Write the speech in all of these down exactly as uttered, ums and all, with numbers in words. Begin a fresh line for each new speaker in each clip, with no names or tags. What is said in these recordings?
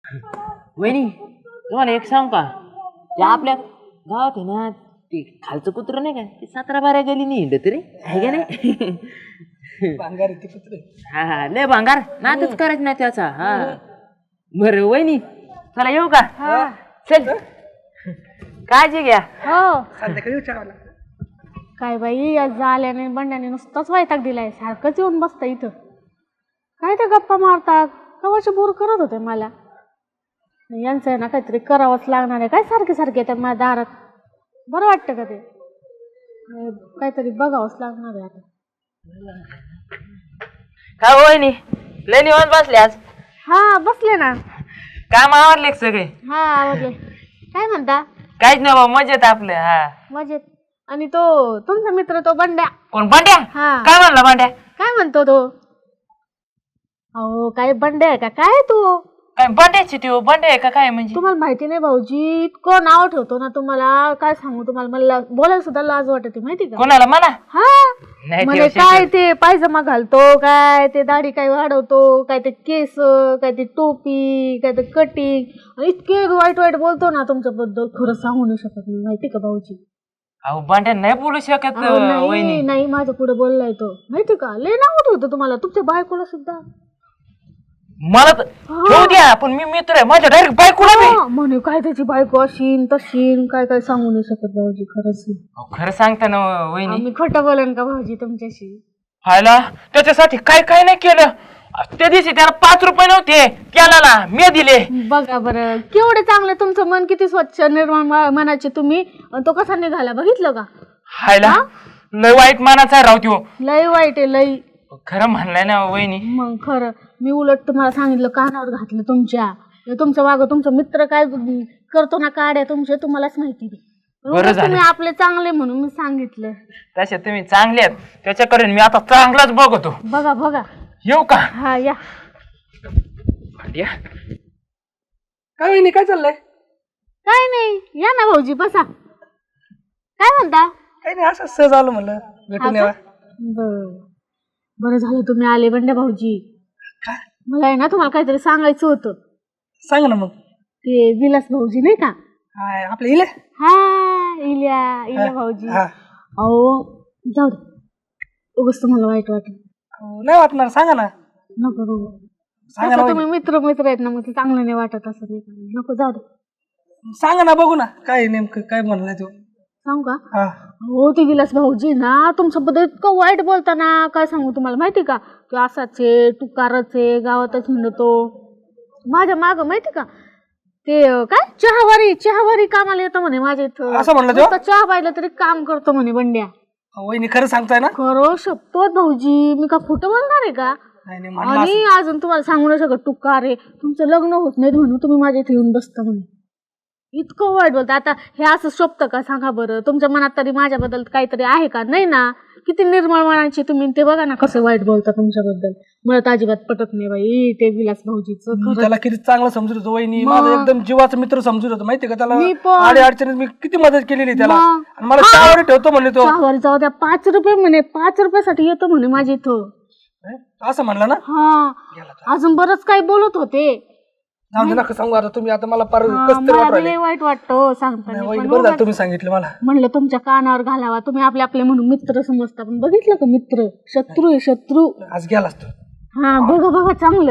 वहिनी तुम्हाला एक सांग का ते आपल्या गावात आहे ना ते खालचं कुत्र नाही का ते सतरा बारा गेली नाही हिंडत रे आहे का नाही
भांगार ते कुत्रे
हा हा लय भांगार नातच करायचं नाही त्याचा हा बरं वहिनी चला येऊ का चल काळजी घ्या
हो
संध्याकाळी विचारावं
काय बाई आज झाल्याने बंड्याने नुसताच वैताग दिलाय सारखंच येऊन बसतं इथं काय ते गप्पा मारतात कवाचे बोर करत होते मला यांचं आहे ना काहीतरी करावंच लागणार आहे काय सारखे सारखे येतात माझ्या दारात बरं वाटतं का ते काहीतरी बघावंच लागणार आहे आता
का वहिनी लय निवांत बसले आज
हा बसले ना
काम आवडले सगळे
हा आवडले काय म्हणता
काहीच नाही बाबा मजेत आपलं हा
मजेत आणि तो तुमचा मित्र तो बंड्या
कोण बांड्या
हा
काय म्हणला बांड्या
काय म्हणतो तो अहो काय बंड्या आहे का काय तू
काय बांड्याची ती बांड्या आहे का काय म्हणजे
तुम्हाला माहिती नाही भाऊजी इतकं नाव ठेवतो ना तुम्हाला काय सांगू तुम्हाला मला बोलायला सुद्धा लाज वाटते माहिती का
कोणाला मला
हा
नाही
म्हणजे काय ते पायजमा घालतो काय ते दाढी काय वाढवतो काय ते केस काय ते टोपी काय ते कटिंग इतके वाईट वाईट बोलतो ना तुमच्याबद्दल खरं सांगू नाही शकत मी माहिती का भाऊजी
अहो बांड्या नाही बोलू शकत
अहो, नाही
वहिनी
नाही माझ्या पुढे बोललाय तो माहिती का लय नाव ठेवतो तुम्हाला तुमच्या बायकोला सुद्धा
मला तर ठेवू द्या पण मी मित्र आहे माझ्या डायरेक्ट बायकोला बी
हा, म्हणे काय त्याची बायको अशीन तशीन काय काय सांगू नाही शकत भाऊजी खरंच नाही.
अहो, खरं सांगता ना वहिनी
आम्ही खोटं बोलन का भाऊजी तुमच्याशी
हायला त्याच्यासाठी काय काय नाही केलं त्या दिवशी त्याला पाच रुपये नव्हते त्याला ना मी दिले
बघा बरं केवढे चांगले तुमचं मन किती स्वच्छ निर्मळ म- मनाचे तुम्ही आणि तो कसा निघाला बघितलं का
हायला लय वाईट मानाचा आहे राव त्यो
लय वाईट आहे लय
खरं म्हणलंय ना वहिनी
मग खरं मी उलट तुम्हाला सांगितलं कानावर घातलं तुमच्या हे तुमच्या मागं तुमचा मित्र काय करतो ना काड्या तुमचे तुम्हालाच माहिती नाही.
बरं
उलट
झालं.
तुम्ही आपले चांगले म्हणून मी सांगितलं
तसे तुम्ही चांगले आहेत त्याच्याकडे मी आता चांगलाच बघतो
बघा बघा
येऊ का
हा या
भांड्या
काय वहिनी काय चाललंय
काय नाही या ना भाऊजी बसा काय म्हणता
काही नाही असं सहज आलो म्हणलं भेटून यावा
बर बरं झालं तुम्ही आले बंड्या भाऊजी
काय
मला आहे ना तुम्हाला काहीतरी सांगायचं होतं
सांग ना मग
ते विलास भाऊजी नाही का
हाय आपलं इले
हा इल्या इल्या भाऊजी
हा
अहो जाऊ दे उगाच तुम्हाला वाईट वाटलं
हो, नाही वाटणार सांगा ना
नको नको
सांगा
तसं
ना
तुम्ही मित्र मित्र आहेत ना मग ते चांगलं नाही वाटत असं नाही का नको जाऊ दे
वहिनी. सांगा ना बघू ना काय नेमकं काय म्हणलाय तो
सांगू का
हा
हो ते विलास भाऊजी ना तुमच्याबद्दल इतकं वाईट बोलताना काय सांगू तुम्हाला माहिती का तो असाच आहे तू कारच आहे गावातच म्हणतो माझ्या माग माहिती का ते अं, काय चहावारी चहावारी कामाला येतं म्हणे माझ्या इथं
असं म्हणलं तो?
नुसतं चहा पाहिलं तरी काम करतो म्हणे बंड्या
वहिनी खरं सांगताय ना
खरं शपथ भाऊजी मी का खोटं बोलणार आहे का
नाही नाही म्हणलं
आणि अजून तुम्हाला सांगू नाही शकत तू का रे तुमचं लग्न होत नाही म्हणून तुम्ही माझ्या इथे येऊन बसता म्हणे इतकं वाईट बोलता आता हे असं शोभतं का सांगा बरं तुमच्या मनात तरी माझ्याबद्दल काहीतरी आहे का नाही ना किती निर्मळ मनाची तुम्ही ते बघा ना कसं वाईट बोलता तुमच्याबद्दल मला तर अजिबात पटत नाही बाई ते विलास भाऊजीचं
मी
खरं
त्याला किती चांगलं समजत होतो वहिनी
मग.
माझा एकदम जीवाचा मित्र समजत होतो माहितीये का
मी
त्याला
पण.
आडी अडचणीत मी किती मदत केलेली त्याला
मग.
आणि मला चहावर ठेवतो म्हणले तो
चहावारी जाऊ द्या पाच रुपये म्हणे पाच रुपयासाठी येतो म्हणे माझ्या इथं
असं म्हणला ना
हा अजून बरंच काही बोलत होते
जाऊ दे नका सांगू आता तुम्ही आता मला पार
हा,
कस तरी
मला
वाटू
बी
राहिले
लय वाईट वाटतं सांगताना
वहिनी
पण
बरं झालं
उगाच
तुम्ही सांगितलं मला
म्हणलं तुमच्या कानावर घालावा तुम्ही आपले आपले म्हणून मित्र समजता पण बघितलं का मित्र शत्रू आहे शत्रू
आज गेलास तू
हा बघा बघा चांगलं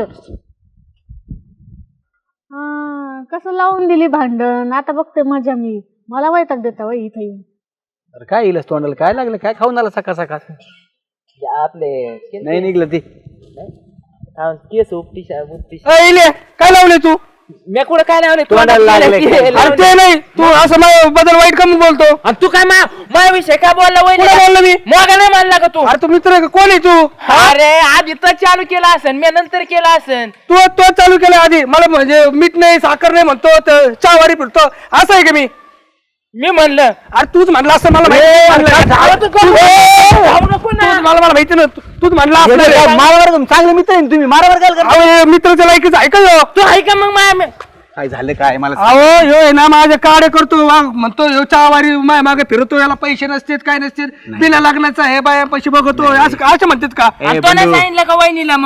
हा कसं लावून दिली भांडण आता बघते मजा मी मला वैताग देता वय इथं येऊन
अरे काय येईल तोंडाला काय लागलं काय खाऊन आला सकाळ सकाळ
आपले
नाही निघलं ते
केस उपटी उपटी
अय, इले, काय लावले तू
मी कुठं काय लावले
तोंडाला लागले काय?
अरे ते नाही तू असं माझ्या बद्दल वाईट कमी बोलतो
आणि तू काय मा माझ्याविषयी काय बोलला
कुठं
वहिनी
बोललो मी
मग नाही मानला का तू
अरे तू मित्र आहे का? कोण आहे तू
अरे आधी तर चालू केला असेल मी नंतर केला असेल
तू तो चालू केला आधी मला म्हणजे मीठ नाही साखर नाही म्हणतो तर चहावारी फिरतो असं आहे का मी
मी म्हणलं
अरे तूच म्हणला असं मला माहिती म्हणलं.
जाऊ तू
तू-
जाऊ
तूच
नको ना
मला मला माहिती ना तू- तूच म्हणला असं आहे.
मारावर चांगले मित्र आहे ना तुम्ही मारावर काय करता?
अहो, मित्राच्या लायकीच ऐकलं
तू आहे का मग माया
काय झालं काय मला सांग.
अहो ह्यो आहे ना माझे काडे करतो वा- म्हणतो ह्यो चहावारी माय मागे फिरतो याला पैसे नसतेत काय नसतेत बिना लग्नाचा हे बाया पैसे बघतो असं असं म्हणतात का
ए,
आणि तो नाही
बंधू.
सांगितलं का वहिनीला मग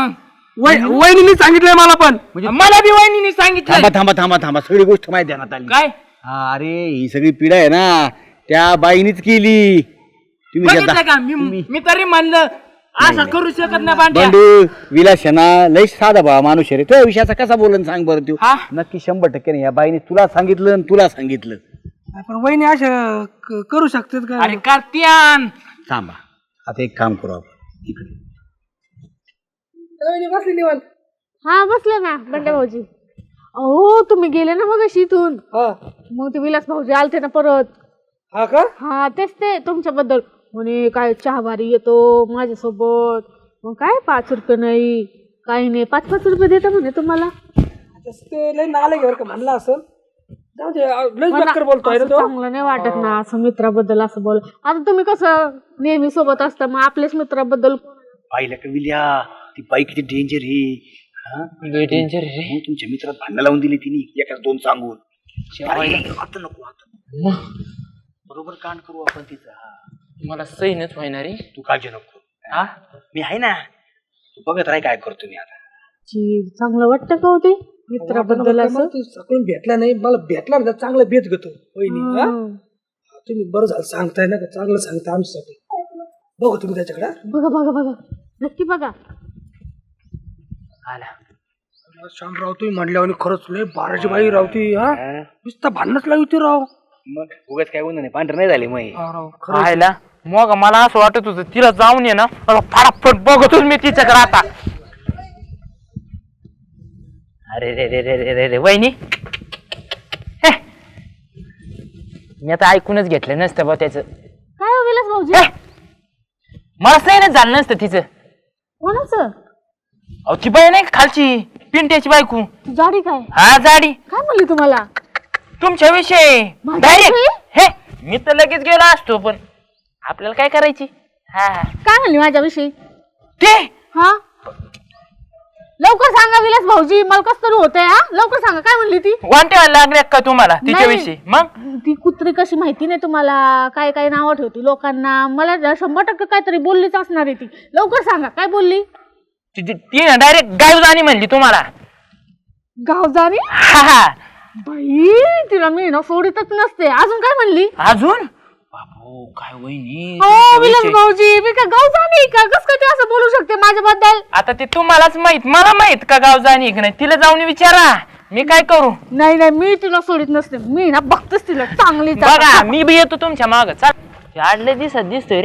वै- वहिनीने सांगितलंय मला पण.
मला बी वहिनीने सांगितलं.
थांबा थांबा थांबा थांबा सगळी गोष्ट माहिती देण्यात आली.
काय
हा, अरे ही सगळी पिढा आहे ना त्या बाईनीच केली. तुम्ही
बघितलं
त्या-
का मी मी तरी म्हणलं असं करू शकत नाही भांड्या.
बंडू विलासना लय साधा भावा माणूस आहे रे. तो विषयाचा कसा बोलन सांग बरं तू.
हा?
नक्की शंभर टक्के नाही या बाईने तुला सांगितलं आणि तुला सांगितलं.
पण वहिनी असं क- करू शकतात का?
अरे कार्तियान
थांबा आता एक काम करू आपण इकडे.
वहिनी बसली निवांत.
हा बसले ना बंड्या भाऊजी. अहो तुम्ही गेले ना मग इथून,
हा
मग ते विलास भाऊजी आलते ना परत.
हा का?
हा तेच ते तुमच्याबद्दल म्हणे काय चहावारी येतो माझ्यासोबत, मग काय पाच रुपये नाही काही नाही, पाच पाच रुपये देता म्हणे तुम्हाला.
तसं ते लय नाले बरं का म्हणलं असं. जाऊ दे, लयच
मला
बेकार बोलतोय रे
असं
तो.
चांगलं नाही वाटत ना असं मित्राबद्दल असं बोल. आता तुम्ही कसं नेहमी सोबत असता, मग आपल्याच मित्राबद्दल
पाहिलं का विल्या ती बाई किती डेंजर आहे. हा?
डेंजर रे.
मग तुमच्या मित्रात भांडणं लावून दिली तिने एकाच दोन सांगून. अरे, आता नको आता बरोबर कांड करू आपण तिचा.
मला सहीनच व्हायना रे.
तू काळजी नको.
हा
मी आहे ना. तू बघत राह काय करतो मी आता.
जी चांगलं वाटतं का होते मित्राबद्दल
मला
असं.
तू सकाळून भेटला नाही, मला भेटला ना चांगला भेट घेतो वहिनी. हा?
हं.
तुम्ही बरं झालं सांगताय ना, का चांगलं सांगताय आमच्यासाठी. बघू तुम्ही त्याच्याकडे.
बघा बघा बघा नक्की बघा.
आला
शामराव तुम्ही म्हणल्यावर खरंच लय बाराची बाई रावती. हा नुसतं भांडणच लावती राव.
मग उगाच काय होणार नाही पांढर नाही झाले मग.
हा राव खरं.
खायला मग मला असं वाटत होतं तिला जाऊन ये ना मला फटाफट बघतोच मी तिच्याकडे आता. अरे रे रे रे रे रे रे वहिनी हे, मी आता ऐकूनच घेतलं नसतं बा त्याचं.
काय हो विलास भाऊजी
हे, मला सहीनच झालं नसतं तिचं.
कोणाचं
अहो ती बाई नाही का खालची पिंट्याची बायको.
जाडी काय
हा जाडी
काय म्हणली तुम्हाला.
तुमच्या विषयी
माझ्या
डायरेक्ट.
विषयी?
हे मी तर लगेच गेलो असतो पण आपल्याला काय करायची. हा
काय म्हणली माझ्याविषयी.
ते
हा लवकर सांगा विलास भाऊजी, मला कसं तरी होतंय. हा लवकर सांगा काय म्हणली ती.
वांट्या लागल्या का तुम्हाला
नाही.
तिच्याविषयी. मग
ती कुत्री कशी माहिती नाही तुम्हाला, काय काय नावं ठेवती लोकांना. मला ना शंभर टक्के काहीतरी बोललीच असणार आहे ती. लवकर सांगा काय बोलली.
ती ती ना डायरेक्ट गावजानी म्हणली तुम्हाला.
गावजानी
हा हा
बाई, तिला मी ना सोडीतच नसते. अजून काय म्हणली.
अजून बाबू काय वहिनी
हो
तुमच्या
विलास
विषयी.
भाऊजी, मी काय गावजानी का, कस काय ती असं बोलू शकते माझ्याबद्दल.
आता ते तुम्हालाच माहित, मला माहित का गावजानी की नाही. तिला जाऊन विचारा, मी काय करू.
नाही नाही मी तिला सोडित नसते. मी ना बघतेच तिला चांगली.
बघा मी बी येतो तुमच्या माग. चाल आडले दिसत दिसतोय रे.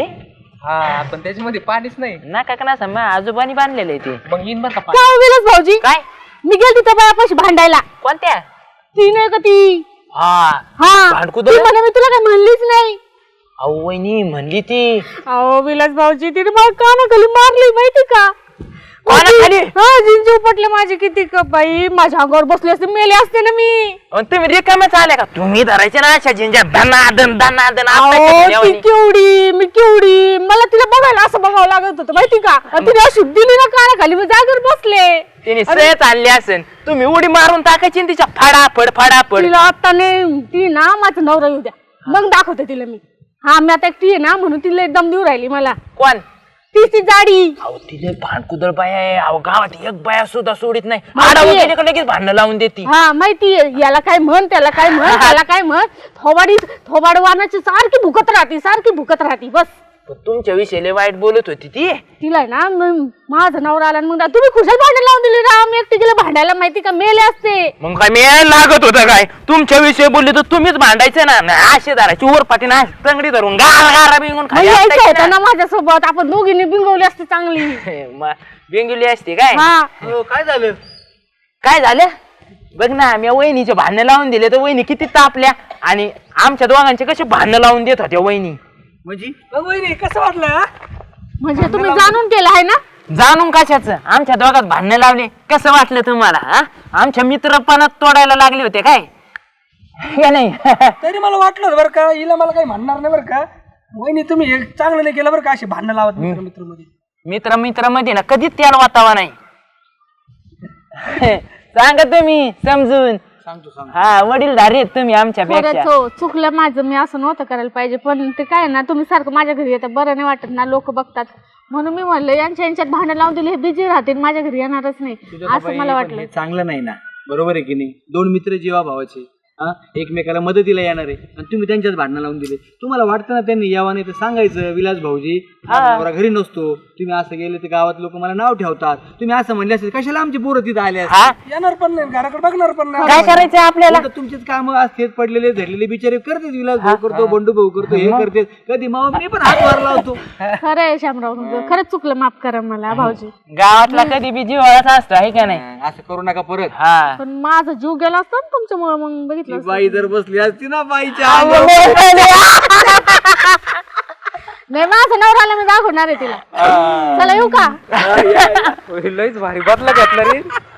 हा पण त्याच्यामध्ये पाणीच नाही.
नाका का ना मग आजोबानी बांधलेलं आहे ते.
मग येईन बरं का.
काय हो विलास भाऊजी,
काय
मी गेलती त्या बायापाशी भांडायला.
कोणत्या.
ती नाही का ती.
हा
हा
भांडकुदळ?
ती म्हणे मी तुला काय म्हणलीच नाही.
अहो वहिनी म्हणली ती.
अहो विलास भाऊजी, तिने मला कानाखाली मारली माहिती का.
कानाखाली?
हा जिंजी उपटले माझे किती का बाई. माझ्या अंगावर बसले असते मेले असते ना मी.
अन तुम्ही रिकाम्याच आल्या का. तुम्ही धरायचे ना अशा जिंजा धनादन धनादन
अहो ती केवढी मी केवढी, मला तिला बघायला असं बघावं लागत होतं माहिती का. आणि तिने अशी दिली ना कानाखाली, मी जागेवर बसले.
तिने सहज आणली असेल, तुम्ही उडी मारून टाकायची ना तिच्या फाडाफड फाडाफड.
तिला आता नाही, ती ना माझा नवरा येऊ द्या मग दाखवते तिला मी. हा मी आता एकटी आहे ना म्हणून तिला एकदम देऊ राहिली मला.
कोण.
ती ती जाडी.
अहो तिथे भांडकुदळ बाया आहे. अहो गावात एक बाया सुद्धा सोडित नाही.
माहितीये.
आडावं केलं का लगेच भांडणं लावून देते.
हा माहितीये, याला काय म्हण त्याला काय म्हण त्याला काय म्हण. थोबाडी थोबाड वानाची सारखी भुकत राहती सारखी भुकत राहती बस.
पण तुमच्या विषयी वाईट बोलत होती ती.
तिला आहे ना मग माझं नवरा आला आणि मग तुम्ही खुशाल भांडण लावून दिली राम. एकटी गेलं भांडायला माहिती का, मेले असते.
मग काय मी लागत होतं काय. तुमच्या विषयी बोलली तर तुम्हीच भांडायचं ना. असे धरायची वर पाठी ना तंगडी धरून गारा गारा बिंगून
मग
खाली
यायचं
असतायची
होतं
ना.
ना माझ्यासोबत, आपण दोघींनी बिंगवली असते चांगली.
मग बिंगुली असते काय.
हा
काय झालं.
काय झालं बघ ना, मी वहिनीचे भांडणं लावून दिले तर वहिनी किती तापल्या. आणि आमच्या दोघांचे कसे भांडणं लावून देत होत्या वहिनी.
म्हणजे वहिनी कसं वाटलं. हा?
म्हणजे तुम्ही जाणून केलं आहे ना.
जाणून कशाचं. आमच्या दोघात भांडणं लावले कसं वाटलं तुम्हाला. हा आमच्या मित्रपणात तोडायला लागले होते काय का नाही.
तरी मला वाटलं होतं बरं का, हिला मला काही म्हणणार नाही बरं का. वहिनी तुम्ही हे चांगलं नाही केलं बरं का, असे भांडणं लावत मित्र मित्र मध्ये.
मित्र मित्र मध्ये ना कधीच त्याला वातावा नाही. सांगा तुम्ही समजून.
सांगतो सांगतो.
हा वडीलधारी आहेत तुम्ही आमच्या पेक्षा.
खरंच हो, चुकलं माझं. मी असं नव्हतं करायला पाहिजे. पण ते काय ना, तुम्ही सारखं माझ्या घरी येतं बरं नाही वाटत ना. लोक बघतात म्हणून मी म्हणलं यांच्या यांच्यात भांडण लावून दिली, हे बिझी राहतील, माझ्या घरी येणारच नाही असं मला वाटलं.
हे चांगलं नाही ना, बरोबर आहे की नाही? दोन मित्र जीवा भावाचे हा एकमेकाला मदतीला येणार आहे आणि तुम्ही त्यांच्यात भांडणं लावून दिले. तुम्हाला वाटतं ना त्यांनी यावं, नाही तर सांगायचं विलास भाऊजी माझा नवरा घरी नसतो, तुम्ही असं गेले तर गावात लोक मला नाव ठेवतात, तुम्ही असं म्हणले असेल कशाला आमची पोरं तिथं आले असते?
येणार पण नाही, घराकडे बघणार पण नाही.
काय करायचं आपल्याला?
आता तुमचेच काम असतेच पडलेले धरलेले बिचारे करतेच, विलास भाऊ करतो, बंडू भाऊ करतो, हे करते, कधी मामा मी पण हात वार लावतो.
खरं आहे शामराव तुमचं, खरंच चुकलं, माफ करा मला भाऊजी.
गावातला कधी बी जिव्हाळाचा असतो आहे का नाही?
असं करू नका परत.
हा
पण माझा जीव गेला असता ना तुमच्यामुळे, मग बघितलं असतं.
बाई जर बसली असती ना बाईच्या अंगावर.
नाही माझा नवराला मी दाखवणार आहे तिला. चला येऊ का?
लयच भारी बदला घेतला रे.